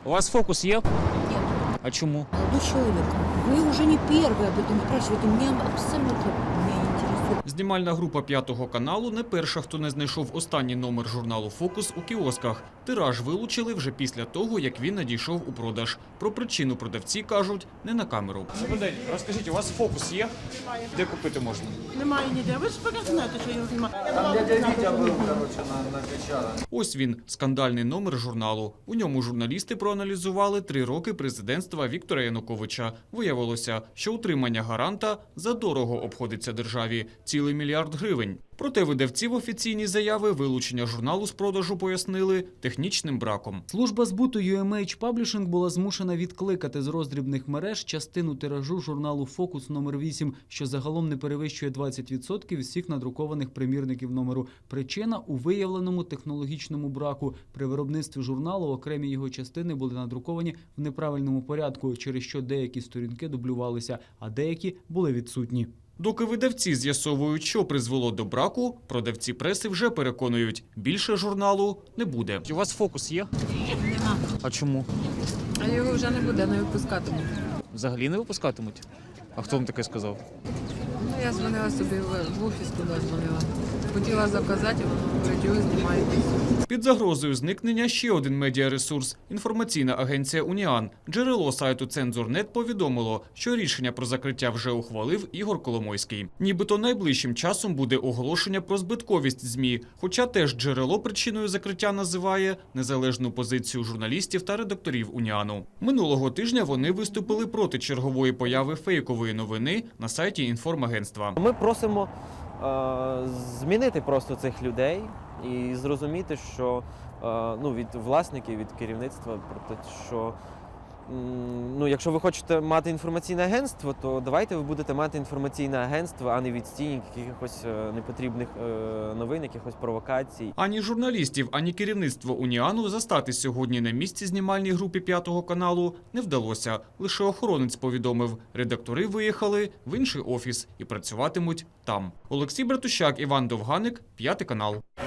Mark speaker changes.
Speaker 1: У вас фокус є?
Speaker 2: Нет.
Speaker 1: А чому?
Speaker 2: Молодой человек, вы уже не первый об этом спрашиваете. Мне абсолютно не интересует.
Speaker 1: Знімальна група «П'ятого каналу» не перша, хто не знайшов останній номер журналу «Фокус» у кіосках. Тираж вилучили вже після того, як він надійшов у продаж. Про причину продавці кажуть не на камеру. Добрий день. Розкажіть, у вас «Фокус» є?
Speaker 3: Немає.
Speaker 1: Де купити можна?
Speaker 3: Немає ніде. Ви ж знаєте, що його немає.
Speaker 4: Там дядя Вітя був, накричали.
Speaker 1: Ось він – скандальний номер журналу. У ньому журналісти проаналізували 3 роки президентства Віктора Януковича. Виявилося, що утримання гаранта задорого обходиться державі – цілий 1 мільярд гривень. Проте видавці в офіційній заяві вилучення журналу з продажу пояснили технічним браком.
Speaker 5: Служба збуту UMH Publishing була змушена відкликати з роздрібних мереж частину тиражу журналу «Фокус» номер 8, що загалом не перевищує 20% всіх надрукованих примірників номеру. Причина – у виявленому технологічному браку. При виробництві журналу окремі його частини були надруковані в неправильному порядку, через що деякі сторінки дублювалися, а деякі були відсутні.
Speaker 1: Доки видавці з'ясовують, що призвело до браку, продавці преси вже переконують – більше журналу не буде. У вас «Фокус» є?
Speaker 6: Нема.
Speaker 1: А чому?
Speaker 6: А його вже не буде, не випускатимуть.
Speaker 1: Взагалі не випускатимуть? А хто вам таке сказав?
Speaker 6: Ну, я дзвонила собі в офіс, туди дзвонила. Хотіла заказати, а воно говорить, його знімаєтесь.
Speaker 1: Під загрозою зникнення ще один медіаресурс – інформаційна агенція «Уніан». Джерело сайту «Цензор.нет» повідомило, що рішення про закриття вже ухвалив Ігор Коломойський. Нібито найближчим часом буде оголошення про збитковість ЗМІ, хоча теж джерело причиною закриття називає незалежну позицію журналістів та редакторів «Уніану». Минулого тижня вони виступили проти чергової появи фейкової новини на сайті інформагентства.
Speaker 7: Ми просимо змінити просто цих людей і зрозуміти, що від власників, від керівництва, про те, що якщо ви хочете мати інформаційне агентство, то давайте ви будете мати інформаційне агентство, а не відстійник якихось непотрібних новин, якихось провокацій.
Speaker 1: Ані журналістів, ані керівництво «Уніану» застати сьогодні на місці знімальній групі «П'ятого каналу» не вдалося. Лише охоронець повідомив, редактори виїхали в інший офіс і працюватимуть там. Олексій Братущак, Іван Довганик, «П'ятий канал».